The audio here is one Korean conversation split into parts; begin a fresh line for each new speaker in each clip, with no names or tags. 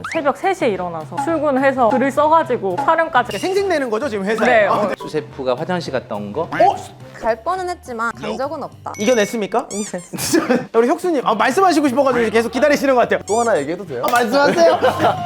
새벽 3시에 일어나서 출근해서 글을 써가지고 촬영까지.
생색내는 거죠 지금 회사에?
네.
수세프가 화장실 갔다 온 거?
갈 뻔은 했지만 간 적은 없다.
이겨냈습니까?
이겼어.
우리 혁수님 말씀하시고 싶어가지고 계속 기다리시는 것 같아요.
또 하나 얘기해도 돼요?
말씀하세요.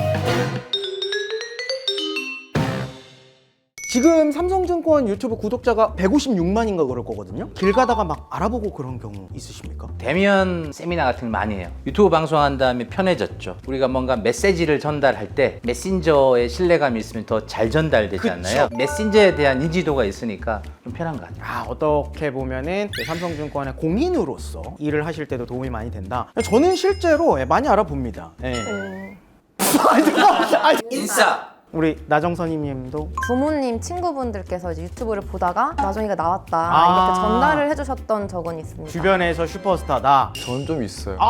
지금 삼성증권 유튜브 구독자가 156만인가 그럴 거거든요. 길 가다가 막 알아보고 그런 경우 있으십니까?
대면 세미나 같은 거 많이 해요. 유튜브 방송한 다음에 편해졌죠. 우리가 뭔가 메시지를 전달할 때 메신저의 신뢰감이 있으면 더 잘 전달되지 않나요? 메신저에 대한 인지도가 있으니까 좀 편한 것 같아요.
어떻게 보면은 삼성증권의 공인으로서 일을 하실 때도 도움이 많이 된다. 저는 실제로 많이 알아봅니다.
인싸!
우리 나정선님도
부모님, 친구분들께서 이제 유튜브를 보다가 나정이가 나왔다 이렇게 전달을 해주셨던 적은 있습니다.
주변에서 슈퍼스타다.
전 좀 있어요.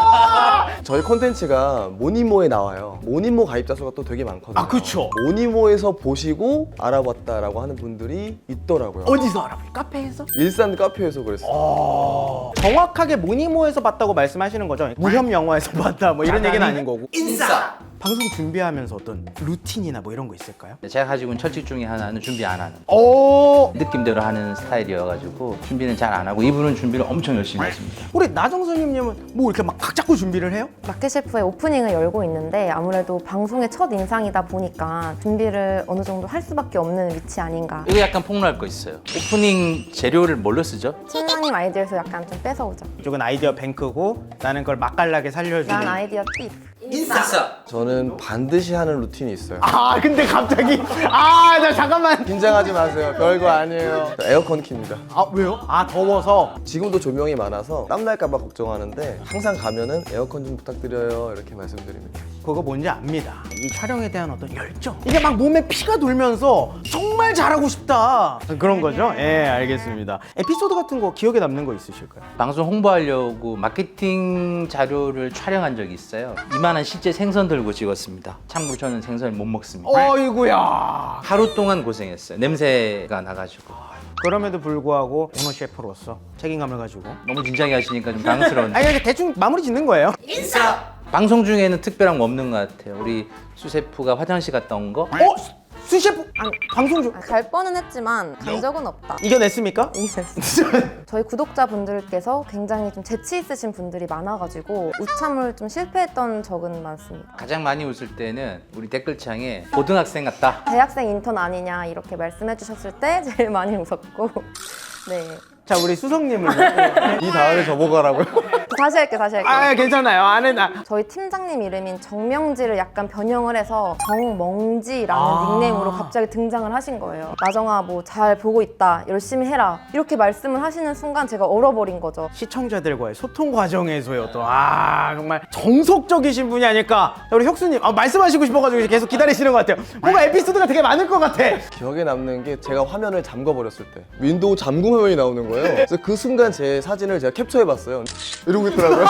아,
저희 콘텐츠가 모니모에 나와요. 모니모 가입자 수가 또 되게 많거든요.
그쵸.
모니모에서 보시고 알아봤다라고 하는 분들이 있더라고요.
어디서 알아봐요? 카페에서?
일산 카페에서 그랬어요.
정확하게 모니모에서 봤다고 말씀하시는 거죠? 무협 영화에서 봤다 뭐 이런 얘기는 아닌 거고.
인싸!
방송 준비하면서 어떤 루틴이나 뭐 이런 거 있을까요?
제가 가지고 있는 철칙 중에 하나는 준비 안 하는 거.
오,
느낌대로 하는 스타일이어가지고 준비는 잘 안 하고 이분은 준비를 엄청 열심히 하십니다.
우리 나정선님은 뭐 이렇게 막 각 잡고 준비를 해요?
마켓셰프의 오프닝을 열고 있는데 아무래도 방송의 첫 인상이다 보니까 준비를 어느 정도 할 수밖에 없는 위치 아닌가.
이거 약간 폭로할 거 있어요. 오프닝 재료를 뭘로 쓰죠?
팀장님 아이디어에서 약간 좀 뺏어오죠.
이쪽은 아이디어 뱅크고 나는 그걸 맛깔나게 살려주는.
난 아이디어 팁.
인싸!
저는 반드시 하는 루틴이 있어요.
근데 갑자기 나 잠깐만.
긴장하지 마세요. 별거 아니에요. 에어컨 킵니다.
왜요? 더워서.
지금도 조명이 많아서 땀날까봐 걱정하는데 항상 가면은 에어컨 좀 부탁드려요 이렇게 말씀드립니다.
그거 뭔지 압니다. 이 촬영에 대한 어떤 열정. 이게 막 몸에 피가 돌면서 정말 잘하고 싶다. 그런 거죠? 예, 알겠습니다. 에피소드 같은 거 기억에 남는 거 있으실까요?
방송 홍보하려고 마케팅 자료를 촬영한 적이 있어요. 이만한 실제 생선 들고 찍었습니다. 참고로 저는 생선을 못 먹습니다.
어이구야.
하루 동안 고생했어요. 냄새가 나가지고.
그럼에도 불구하고 오너 셰프로서 책임감을 가지고.
너무 진지하게 하시니까 좀 당황스러운데.
그냥 대충 마무리 짓는 거예요.
방송 중에는 특별한 거 없는 것 같아요. 우리 수세프가 화장실 갔다 온 거?
수셰프 방송 중
갈 뻔은 했지만 간 적은 없다.
이겨냈습니까?
이겼어. 저희 구독자분들께서 굉장히 좀 재치 있으신 분들이 많아가지고 우참을 좀 실패했던 적은 많습니다.
가장 많이 웃을 때는 우리 댓글창에 고등학생 같다.
대학생 인턴 아니냐 이렇게 말씀해 주셨을 때 제일 많이 웃었고 네.
자, 우리 수성님을.
이 다음에 저보고하라고요?
다시 할게.
괜찮아요. 안 해, 나.
저희 팀장님 이름인 정명지를 약간 변형을 해서 정멍지라는 닉네임으로 갑자기 등장을 하신 거예요. 나정아 뭐 잘 보고 있다, 열심히 해라 이렇게 말씀을 하시는 순간 제가 얼어버린 거죠.
시청자들과의 소통 과정에서의 어떤 정말 정석적이신 분이 아닐까. 자, 우리 혁수님 말씀하시고 싶어가지고 계속 기다리시는 것 같아요. 뭔가 에피소드가 되게 많을 것 같아.
기억에 남는 게 제가 화면을 잠궈버렸을 때 윈도우 잠금 화면이 나오는 거예요. 그래서 그 순간 제 사진을 제가 캡처해봤어요. 이러고 있더라고요.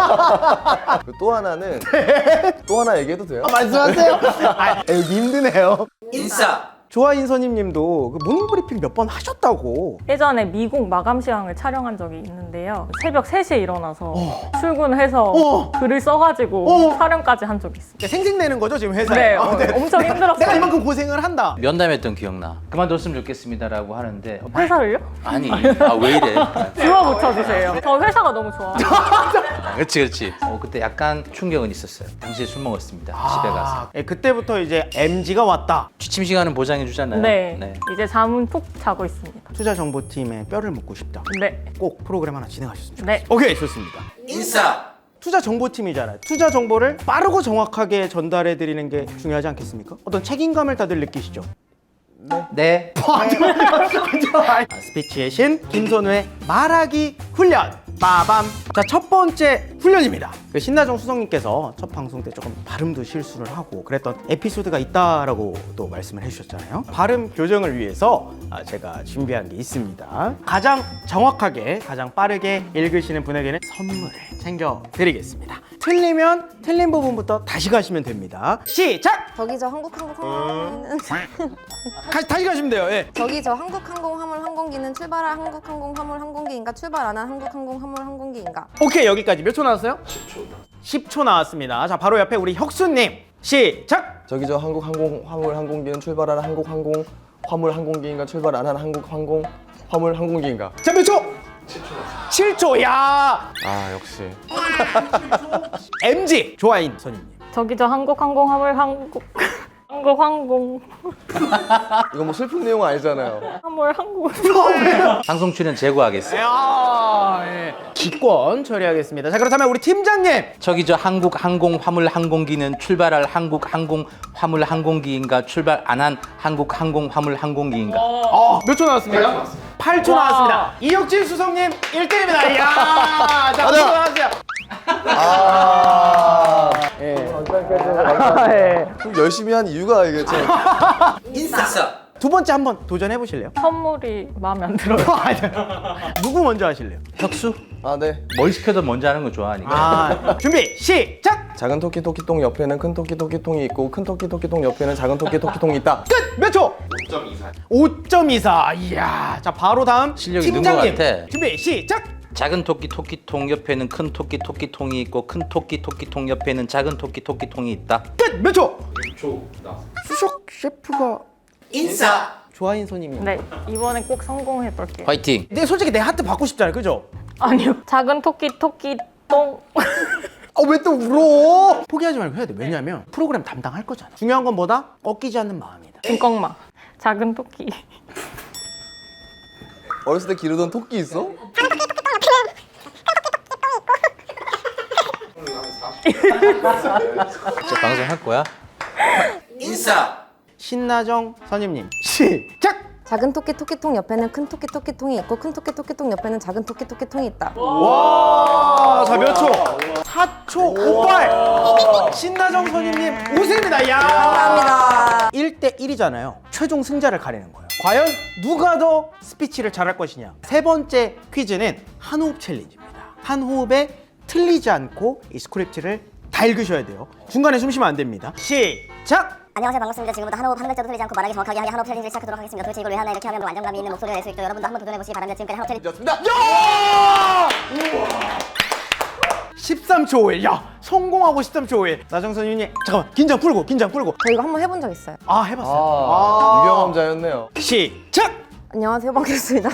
또 하나는 또 하나 얘기해도 돼요?
말씀하세요. 여기 힘드네요.
인싸!
조아인선임님도 그 모닝브리핑 몇 번 하셨다고.
예전에 미국 마감 시황을 촬영한 적이 있는데요. 새벽 3시에 일어나서 출근해서 글을 써가지고 촬영까지 한 적이 있어요.
생색내는 거죠 지금 회사에?
네,
네.
엄청 힘들었어요.
내가 이만큼 고생을 한다.
면담했던 기억나. 그만뒀으면 좋겠습니다라고 하는데
회사를요?
아니, 왜 이래?
주워 붙여주세요. 저 회사가 너무 좋아.
그렇지. 그때 약간 충격은 있었어요. 당시에 술 먹었습니다. 집에 가서.
그때부터 이제 MG가 왔다.
취침 시간은 보장해 주잖아요.
네. 이제 잠은 푹 자고 있습니다.
투자정보팀의 뼈를 묻고 싶다.
네.
꼭 프로그램 하나 진행하셨으면 좋겠어요.
네.
오케이, 좋습니다.
인싸!
투자 정보팀이잖아요. 투자 정보를 빠르고 정확하게 전달해 드리는 게 중요하지 않겠습니까? 어떤 책임감을 다들 느끼시죠?
네.
스피치의 신 김선우의 말하기 훈련. 빠밤. 자, 첫 번째 훈련입니다. 그 신나정 수석님께서 첫 방송 때 조금 발음도 실수를 하고 그랬던 에피소드가 있다라고 또 말씀을 해주셨잖아요. 발음 교정을 위해서 제가 준비한 게 있습니다. 가장 정확하게, 가장 빠르게 읽으시는 분에게는 선물을 챙겨드리겠습니다. 틀리면 틀린 부분부터 다시 가시면 됩니다. 시작!
저기 저 한국항공기는
다시 가시면 돼요. 예.
저기 저 한국항공 화물 항공기는 출발할 한국항공 화물 항공기인가 출발 안 한 한국항공 화물 항공기인가.
오케이, 여기까지 몇 초 나왔어요? 10초 나왔습니다. 자, 바로 옆에 우리 혁수님. 시작.
저기 저 한국 항공 화물 항공기는 출발하는 한국 항공 화물 항공기인가 출발 안 하는 한국 항공 화물 항공기인가?
자, 몇 초? 7초. 야.
아 역시.
MG 조아인 선임님.
저기 저 한국항공 화물 한국항공
이거 뭐 슬픈 내용 아니잖아요.
화물 항공
방송 출연 제거하겠습니다.
예. 기권 처리하겠습니다. 자, 그렇다면 우리 팀장님.
저기 저 한국 항공 화물 항공기는 출발할 한국 항공 화물 항공기인가 출발 안 한 한국 항공 화물 항공기인가?
몇 초 나왔습니까? 8초
와.
나왔습니다. 이혁진 수석님 1등입니다. 이야. 자,
맞아.
수고하세요.
아.
예.
그럼 열심히 한 이유가 이게 참.
두 번째 한번 도전해 보실래요?
선물이 마음에 안 들어요.
누구 먼저 하실래요?
혁수?
아 네.
뭘 시켜도 먼저 하는 거 좋아하니까.
준비 시작.
작은 토끼 토끼통 옆에는 큰 토끼 토끼통이 있고 큰 토끼 토끼통 옆에는 작은 토끼 토끼통이 있다.
끝. 몇 초? 5.24. 이야. 자, 바로 다음
실력이 는
팀장님.
것 같아.
준비 시작.
작은 토끼 토끼통 옆에는 큰 토끼 토끼통이 있고 큰 토끼 토끼통 옆에는 작은 토끼 토끼통이 있다.
끝. 몇 초? 6초 나왔어. 수석 셰프가 인사. 조아인 손님님.
네, 이번에 꼭 성공해 볼게요.
화이팅!
근데 솔직히 내 하트 받고 싶잖아요. 그죠?
아니요. 작은 토끼 똥.
왜 또 울어? 포기하지 말고 해야 돼. 왜냐면 프로그램 담당할 거잖아. 중요한 건 뭐다? 꺾이지 않는 마음이다.
김꺽마. 작은 토끼.
어렸을 때 기르던 토끼 있어?
진짜 방송할 거야?
신나정 선임님 시작.
작은 토끼 토끼통 옆에는 큰 토끼 토끼통이 있고 큰 토끼 토끼통 옆에는 작은 토끼 토끼통이 있다.
와, 자, 몇 초? 4초 58. 신나정 선임님 우승입니다. 야.
감사합니다.
1대 1이잖아요. 최종 승자를 가리는 거예요. 과연 누가 더 스피치를 잘할 것이냐? 세 번째 퀴즈는 한 호흡 챌린지입니다. 한 호흡에 틀리지 않고 이 스크립트를 다 읽으셔야 돼요. 중간에 숨 쉬면 안 됩니다. 시작.
안녕하세요, 반갑습니다. 지금부터 한 호흡 한 글자도 틀리지 않고 말하기 정확하게 하게 한 호흡 챌린지를 시작하도록 하겠습니다. 도대체 이걸 왜 하나 이렇게 하면 더 안정감이 있는 목소리가 낼 수 있죠. 여러분도 한번 도전해보시기 바랍니다. 지금까지 한 호흡 챌린지
좋습니다.
13초 5일. 야, 성공하고 13초 5일. 나정 선임님 잠깐만, 긴장 풀고.
저 이거 한번 해본 적 있어요.
아, 해봤어요.
아, 유경험자였네요.
시작.
안녕하세요, 반갑습니다.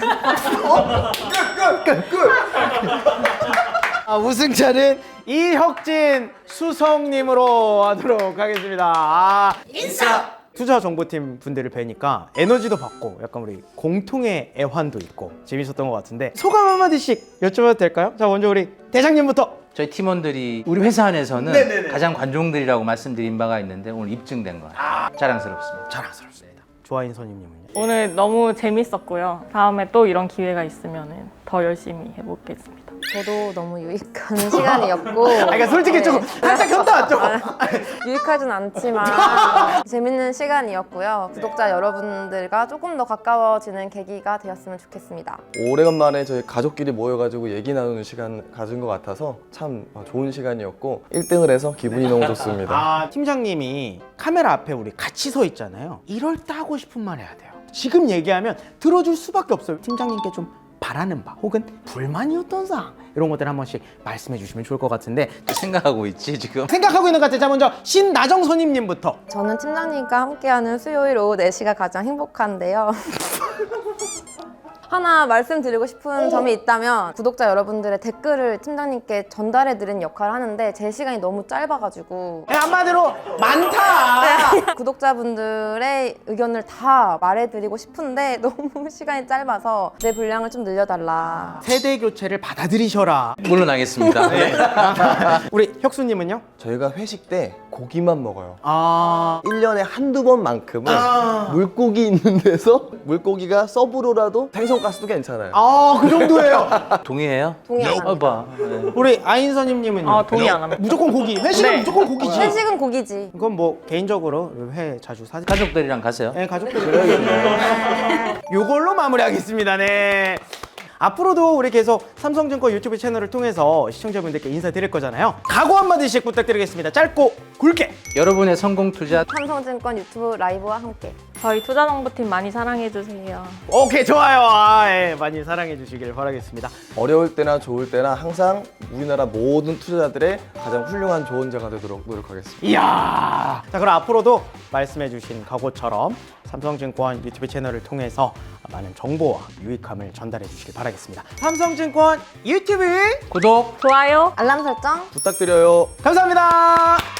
우승자는 이혁진 수석님으로 하도록 하겠습니다. 인사. 투자 정보팀 분들을 뵈니까 에너지도 받고 약간 우리 공통의 애환도 있고 재밌었던 것 같은데 소감 한마디씩 여쭤봐도 될까요? 자, 먼저 우리 대장님부터.
저희 팀원들이 우리 회사 안에서는 가장 관종들이라고 말씀드린 바가 있는데 오늘 입증된 거예요. 자랑스럽습니다.
자랑스럽습니다. 조아인 선임님은요?
오늘 너무 재밌었고요. 다음에 또 이런 기회가 있으면 더 열심히 해보겠습니다.
저도 너무 유익한 시간이었고.
그러니까 솔직히 조금 살짝 현타 왔죠?
유익하진 않지만 재밌는 시간이었고요. 구독자 여러분들과 조금 더 가까워지는 계기가 되었으면 좋겠습니다.
오래간만에 저희 가족끼리 모여가지고 얘기 나누는 시간 가진 것 같아서 참 좋은 시간이었고 1등을 해서 기분이 너무 좋습니다.
아, 팀장님이 카메라 앞에 우리 같이 서 있잖아요. 이럴 때 하고 싶은 말 해야 돼요. 지금 얘기하면 들어줄 수밖에 없어요. 팀장님께 좀 바라는 바 혹은 불만이었던 사항 이런 것들 한 번씩 말씀해 주시면 좋을 것 같은데
생각하고 있지 지금?
생각하고 있는 것 같아요. 자, 먼저 신나정 선임님부터.
저는 팀장님과 함께하는 수요일 오후 4시가 가장 행복한데요. 하나 말씀드리고 싶은 점이 있다면 구독자 여러분들의 댓글을 팀장님께 전달해드리는 역할을 하는데 제 시간이 너무 짧아가지고
한마디로 많다.
구독자분들의 의견을 다 말해드리고 싶은데 너무 시간이 짧아서 내 분량을 좀 늘려달라.
세대 교체를 받아들이셔라.
물론하겠습니다.
우리 혁수님은요?
저희가 회식 때 고기만 먹어요.
아,
1년에 한두 번만큼은 물고기 있는 데서 물고기가 서브로라도 생선가스도 괜찮아요.
그 정도예요.
동의해요?
동의 안 합니다.
봐. 네.
우리 아인 선임님은요?
아, 동의 안 합니다.
무조건 고기. 회식은
네.
무조건 고기지.
회식은 고기지.
이건 뭐 개인적으로 회 자주 사.
가족들이랑 가세요.
네, 가족들이. 요걸로 마무리하겠습니다. 네. 앞으로도 우리 계속 삼성증권 유튜브 채널을 통해서 시청자분들께 인사드릴 거잖아요. 각오 한마디씩 부탁드리겠습니다. 짧고 굵게.
여러분의 성공 투자
삼성증권 유튜브 라이브와 함께
저희 투자정보팀 많이 사랑해주세요.
오케이, 좋아요. 예, 많이 사랑해 주시길 바라겠습니다.
어려울 때나 좋을 때나 항상 우리나라 모든 투자자들의 가장 훌륭한 조언자가 되도록 노력하겠습니다.
이야. 자, 그럼 앞으로도 말씀해 주신 각오처럼 삼성증권 유튜브 채널을 통해서 많은 정보와 유익함을 전달해 주시길 바라겠습니다. 삼성증권 유튜브
구독
좋아요.
알람 설정
부탁드려요.
감사합니다.